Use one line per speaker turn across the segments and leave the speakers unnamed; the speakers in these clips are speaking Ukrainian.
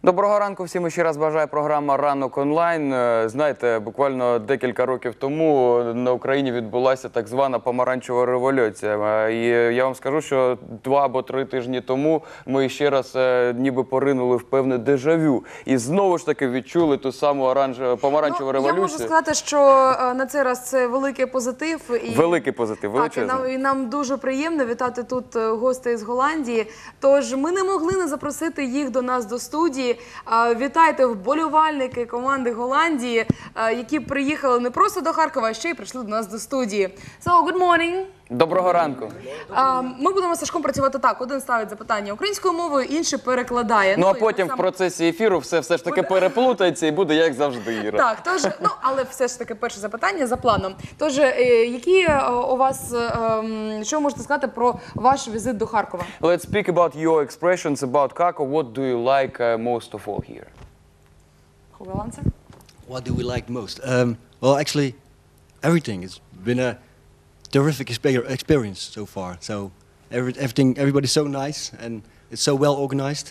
Доброго ранку всім, ще раз бажаю програма «Ранок онлайн». Знаєте, буквально декілька років тому на Україні відбулася так звана помаранчева революція. І я вам скажу, що 2 або 3 тижні тому ми ще раз ніби поринули в певне дежавю. І знову ж таки відчули ту саму помаранчеву революцію.
Я можу сказати, що на цей раз це великий позитив.
Великий позитив, величезний.
Так, і нам дуже приємно вітати тут гостей з Голландії. Тож ми не могли не запросити їх до нас до студії. Вітайте вболівальники команди Голландії, які приїхали не просто до Харкова, а ще й прийшли до нас до студії. So, good morning.
Доброго ранку.
Ми будемо з Сашком працювати так. Один ставить запитання українською мовою, інший перекладає.
Ну, а потім в процесі ефіру все ж таки переплутається і буде як завжди, Іра.
Так, тож, але все ж таки перше запитання за планом. Тож, які у вас, що ви можете сказати про ваш візит до Харкова?
Let's speak about your expressions about Kharkov. What do you like most of all here?
Who will answer?
What do we like most? Well, actually, everything. It's been a terrific experience so far. So everybody's so nice and it's so well organized.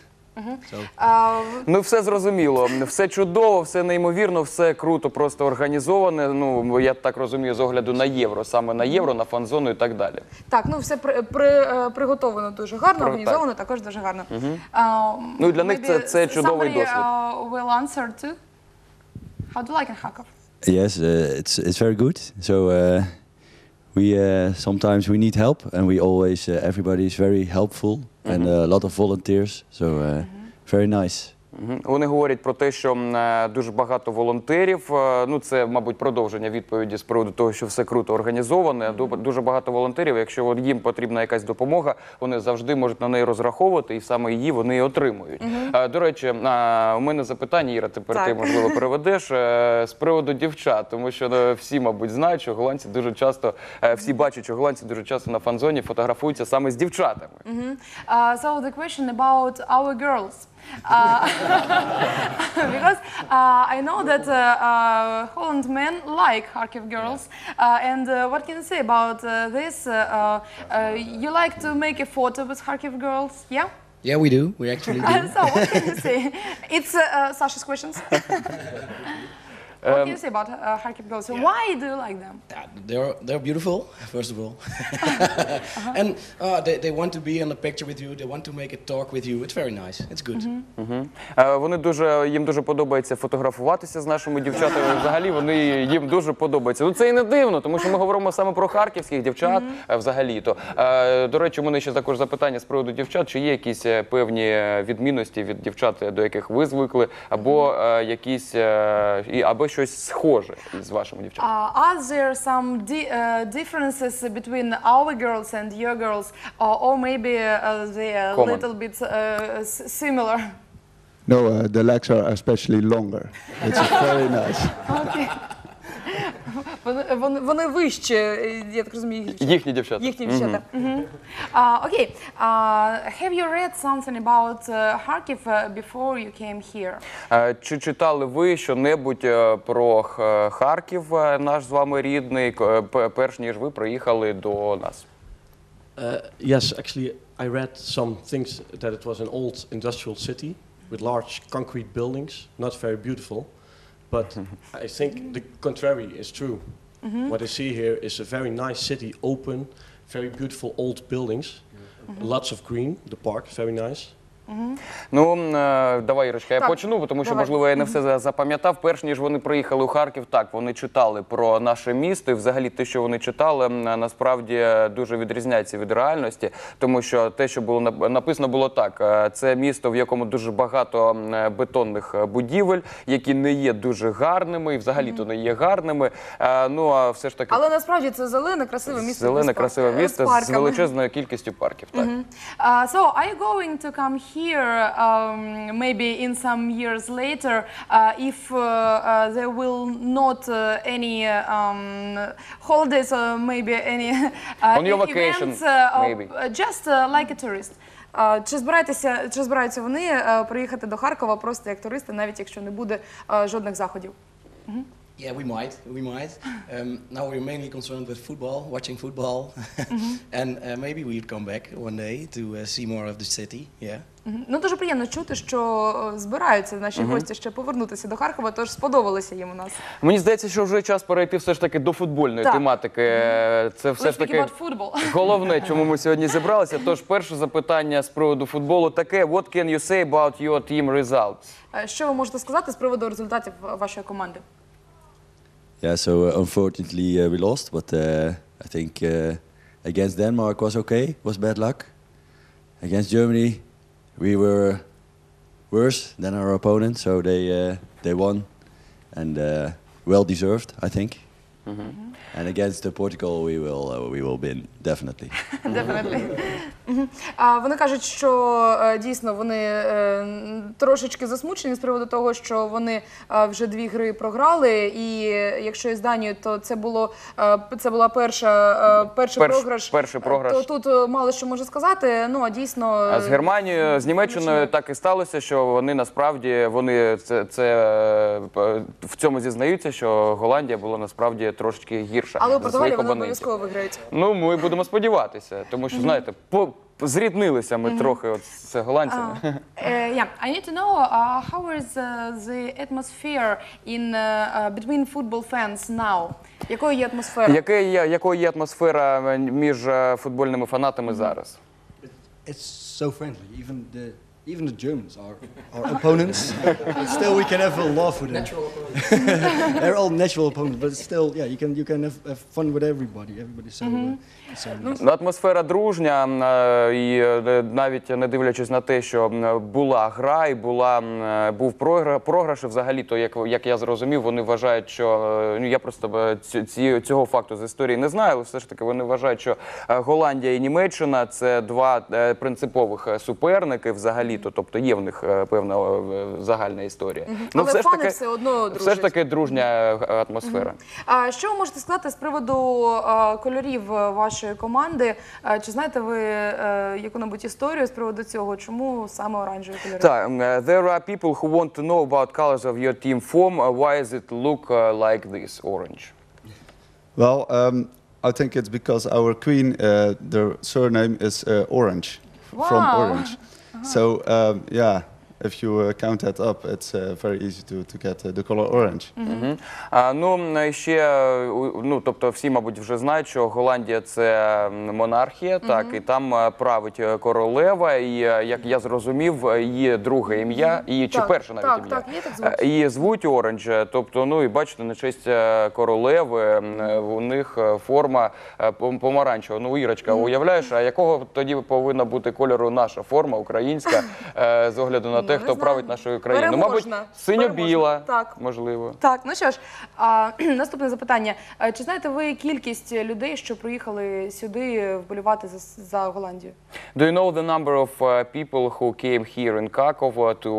Ну, все зрозуміло, все чудово, все неймовірно, все круто, просто організоване, ну, я так розумію, з огляду на євро, саме на євро, на фан-зону і так далі.
Так, ну, все приготовлено дуже гарно, організовано також дуже гарно.
Ну, і для них це чудовий досвід.
Somebody will answer too. How do you like in Kharkov?
Yes, it's very good. So sometimes we need help, and we always everybody is very helpful, and a lot of volunteers. So very nice.
Вони говорять про те, що дуже багато волонтерів, ну це, мабуть, продовження відповіді з приводу того, що все круто організоване, дуже багато волонтерів, якщо їм потрібна якась допомога, вони завжди можуть на неї розраховувати, і саме її вони і отримують. До речі, у мене запитання, Іра, тепер ти, можливо, переведеш, з приводу дівчат, тому що всі, мабуть, знають, що голландці дуже часто, всі бачать, що голландці дуже часто на фан-зоні фотографуються саме з дівчатами.
So the question about our girls. Because I know that Holland men like Kharkiv girls, and what can you say about this? You like to make a photo with Kharkiv girls, yeah?
Yeah, we do. We actually do.
So what can you say? It's Sasha's questions. What can you say about Kharkiv girls? So why do you like them?
They're beautiful, first of all, and they want to be in a picture with you. They want to make a talk with you. It's very nice. It's good.
Їм дуже подобається фотографуватися з нашими дівчатами. Взагалі, їм дуже подобається. Ну це і не дивно, тому що ми говоримо саме про харківських дівчат взагалі-то. До речі, у мене ще також запитання з приводу дівчат. Чи є якісь певні відмінності від дівчат, до яких ви звикли, або якісь, або щось схоже з вашими дівчатами?
Are there some differences between our girls and your girls, or maybe they are a little bit similar?
No, the legs are especially longer. It's very nice.
Okay. Вони вище, я так розумію,
Їхні дівчата.
Їхні дівчата. Окей. Have you read something about Kharkiv before you came here?
Чи читали ви що-небудь про Харків, наш з вами рідний, перш ніж ви приїхали до нас?
Yes, actually, I read some things that it was an old industrial city with large concrete buildings, not very beautiful. But I think the contrary is true. What I see here is a very nice city, open, very beautiful old buildings, lots of green, the park, very nice.
Ну, давай, Ірочка, я почну, тому що, можливо, я не все запам'ятав. Перш ніж вони приїхали у Харків, так, вони читали про наше місто, і взагалі те, що вони читали, насправді дуже відрізняється від реальності, тому що те, що було написано, було так. Це місто, в якому дуже багато бетонних будівель, які не є дуже гарними, і взагалі-то не є гарними. Ну, а все ж таки...
Але насправді це зелене, красиве місто.
Зелене, красиве місто з величезною кількістю парків, так.
So, are you going to come here maybe in some years later if there will not any holidays or maybe any
on your vacation,
events,
maybe.
Just like a tourist? Чи збираються вони приїхати до Харкова просто як туристи, навіть якщо не буде жодних заходів?
Yeah, we might. Now we're mainly concerned with football, watching football, and maybe we'll come back one day to see more of the city. Yeah.
Ну, дуже приємно чути, що збираються наші гості ще повернутися до Харкова, тож сподобалося їм у нас.
Мені здається, що вже час перейти все ж таки до футбольної
Так.
тематики. Це все ж
Let's speak
таки
about football.
головне, чому ми сьогодні зібралися. Тож перше запитання з приводу футболу таке: What can you say about your team results?
Що ви можете сказати з приводу результатів вашої команди?
Yeah, so unfortunately we lost, but I think against Denmark was okay. Was bad luck. Against Germany, we were worse than our opponent, so they won, and well deserved, I think. And against Portugal, we will win definitely.
Definitely. Вони кажуть, що дійсно вони трошечки засмучені з приводу того, що вони вже 2 гри програли, і якщо із Данією, то це була перший програш. То тут мало що можу сказати, ну а дійсно...
А з Германією, з Німеччиною так і сталося, що вони насправді, в цьому зізнаються, що Голландія була насправді трошечки гірша.
Але у
за
Португалії
своїх
вони
опонентів.
обов'язково виграють.
Ну, ми будемо сподіватися, тому що, знаєте, зріднилися ми трохи от з голландцями.
Yeah, I need to know how is the atmosphere between football fans now? Якою є атмосфера?
Якою є атмосфера між футбольними фанатами зараз?
It's so friendly. Even the Germans are our opponents. But still, we can have a laugh with them.
Natural opponents.
They're all natural opponents, but still, yeah, you can have fun with everybody. Everybody's so nice.
Атмосфера дружня, і навіть не дивлячись на те, що була гра і був програш, взагалі-то, як я зрозумів, вони вважають, що, я просто цього факту з історії не знаю, але все ж таки вони вважають, що Голландія і Німеччина – це 2 принципових суперники взагалі-то, тобто є в них певна загальна історія.
Але фани все одно дружать.
Все ж таки дружня атмосфера.
Що ви можете сказати з приводу кольорів вашої команди? Чи знаєте ви яку-небудь історію з приводу цього? Чому саме оранжеві кольори?
Так, there are people who want to know about colors of your team form. Why does it look like this, orange?
Well, I think it's because our queen, their surname is Orange, from
Wow.
Orange. So, yeah, if you count that up, it's very easy to get the color orange.
Тобто всі, мабуть, вже знають, що Голландія – це монархія, так, і там править королева, і, як я зрозумів, її друге ім'я, чи перше навіть ім'я. Її звуть Оранж, тобто, і бачите, на честь королеви у них форма помаранчева. Ну, Ірочка, уявляєш, а якого тоді повинна бути кольору наша форма, українська, з огляду на те, хто править нашою країною? Ну, мабуть, синьо-біла, можливо.
Так, ну що ж, наступне запитання. Чи знаєте ви кількість людей, що приїхали сюди вболівати за Голландію?
Do you know the number of people who came here in Kharkov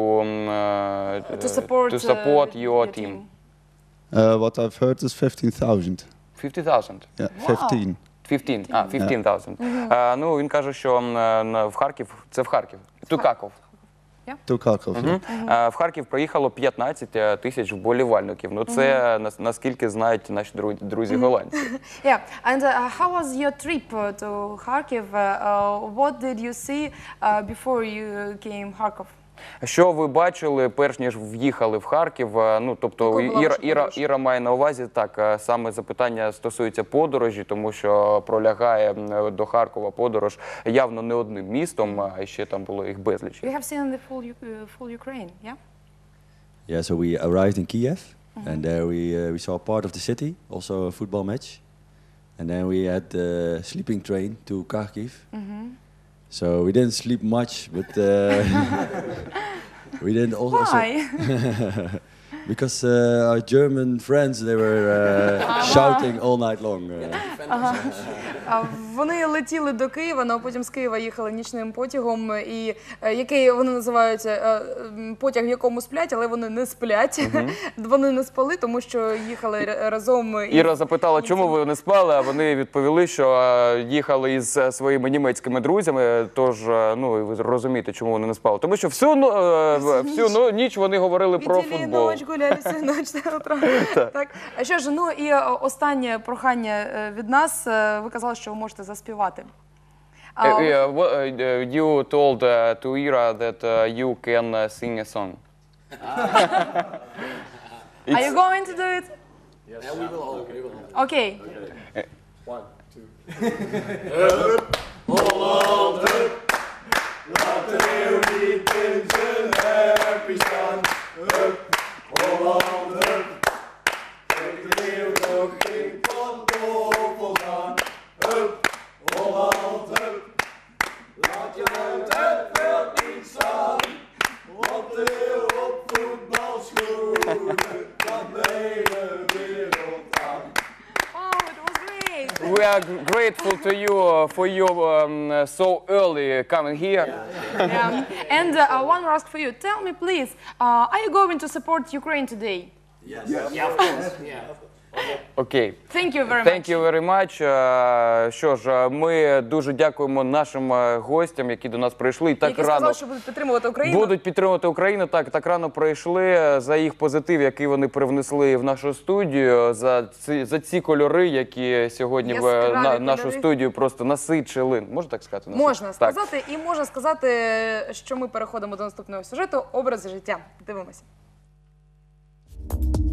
to support your team?
What I've heard is 15,000.
50,000?
Yeah, 15.
15,000. Ну, він каже, що в Харків, це в Харків, to Kharkov.
To Kharkov.
В Харків приїхало 15 тисяч вболівальників. Ну, це наскільки знають наші друзі голландці.
Yeah, and how was your trip to Kharkiv? What did you see before you came Kharkov?
Що ви бачили, перш ніж в'їхали в Харків? Ну, тобто, Іра має на увазі, так, саме запитання стосується подорожі, тому що пролягає до Харкова подорож явно не одним містом, а ще там було їх безліч.
You have seen the full Ukraine, yeah?
Yeah, so we arrived in Kiev, and there we saw part of the city, also a football match, and then we had the sleeping train to Kharkiv. So we didn't sleep much, but we didn't also.
Why?
Because our German friends, they were shouting all night long.
Вони летіли до Києва, а потім з Києва їхали нічним потягом, і який вони називаються потяг, в якому сплять, але вони не сплять. Вони не спали, тому що їхали разом.
Іра запитала, чому ви не спали, а вони відповіли, що їхали із своїми німецькими друзями, тож, ну, і ви розумієте, чому вони не спали. Тому що всю ніч вони говорили про
Видели
футбол.
ночь, гуляли всю ночь до утра. Так. А що ж, ну і останнє прохання від нас. Ви казали, що ви можете заспівати.
You told to Ira that you can sing a song.
Are you going to do it?
Yes. Yeah, we will all.
Okay.
1, 2.
Oh, it was great.
We are grateful to you for your so early coming here.
Yeah. And one more ask for you. Tell me, please, are you going to support Ukraine today?
Окей.
Thank you very much.
Thank you very much. Що ж, ми дуже дякуємо нашим гостям, які до нас прийшли. І так
Які
рано
сказали, що будуть підтримувати Україну.
будуть підтримувати Україну. Так рано прийшли за їх позитив, який вони привнесли в нашу студію, за ці кольори, які сьогодні
Яскраві
нашу
кольори.
студію просто насичили. Можна так сказати?
Можна
Так.
сказати, і можна сказати, що ми переходимо до наступного сюжету «Образи життя». Дивимося.